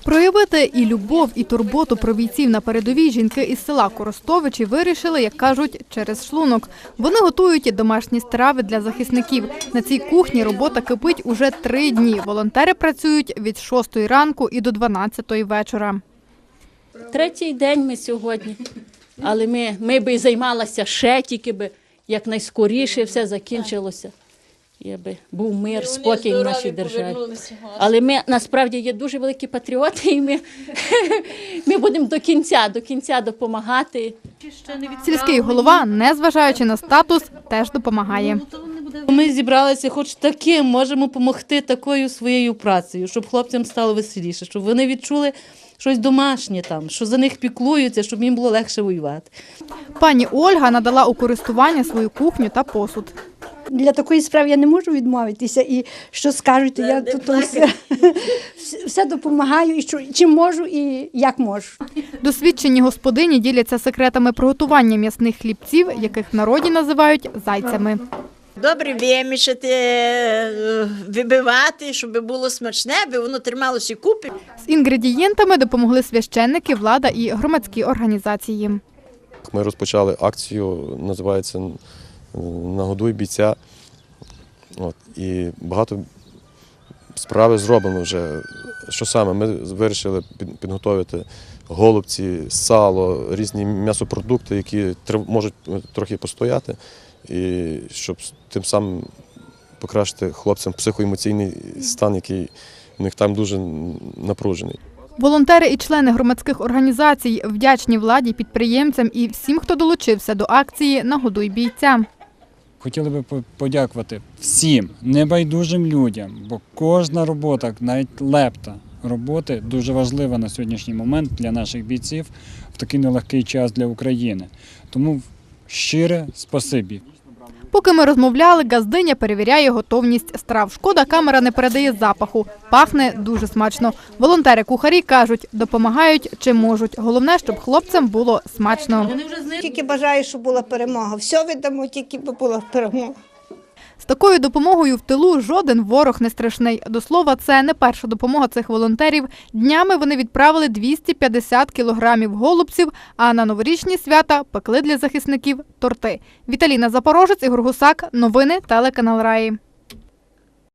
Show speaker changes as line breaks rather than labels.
Проявити і любов, і турботу про бійців на передовій жінки із села Коростовичі вирішили, як кажуть, через шлунок. Вони готують домашні страви для захисників. На цій кухні робота кипить уже 3 дні. Волонтери працюють від 6 ранку і до 12 вечора.
3-й день ми сьогодні, але ми би займалися ще, тільки би якнайскоріше все закінчилося. Якби був мир, спокій в нашій державі. Але ми насправді є дуже великі патріоти, і ми будемо до кінця допомагати.
Сільський голова, незважаючи на статус, теж допомагає.
Ми зібралися, хоч таким можемо допомогти такою своєю працею, щоб хлопцям стало веселіше, щоб вони відчули щось домашнє там, що за них піклуються, щоб їм було легше воювати.
Пані Ольга надала у користування свою кухню та посуд.
Для такої справи я не можу відмовитися, і що скажуть, я тут все допомагаю, і чим можу, і як можу.
Досвідчені господині діляться секретами приготування м'ясних хлібців, яких в народі називають зайцями.
Добре вимішати, вибивати, щоб було смачне, аби воно трималося купи.
З інгредієнтами допомогли священники, влада і громадські організації.
Ми розпочали акцію, називається «Нагодуй бійця». І багато справи зроблено вже. Що саме? Ми вирішили підготувати голубці, сало, різні м'ясопродукти, які можуть трохи постояти, і щоб тим самим покращити хлопцям психоемоційний стан, який у них там дуже напружений.
Волонтери і члени громадських організацій вдячні владі, підприємцям і всім, хто долучився до акції «Нагодуй бійця».
Хотіли би подякувати всім небайдужим людям, бо кожна робота, навіть лепта роботи, дуже важлива на сьогоднішній момент для наших бійців в такий нелегкий час для України. Тому щире спасибі.
Поки ми розмовляли, газдиня перевіряє готовність страв. Шкода, камера не передає запаху. Пахне дуже смачно. Волонтери-кухарі кажуть, допомагають чим можуть. Головне, щоб хлопцям було смачно.
Тільки бажаю, щоб була перемога. Все віддамо, тільки би була перемога.
З такою допомогою в тилу жоден ворог не страшний. До слова, це не перша допомога цих волонтерів. Днями вони відправили 250 кілограмів голубців, а на новорічні свята пекли для захисників торти. Віталіна Запорожець, Ігор Гусак. Новини телеканал Раї.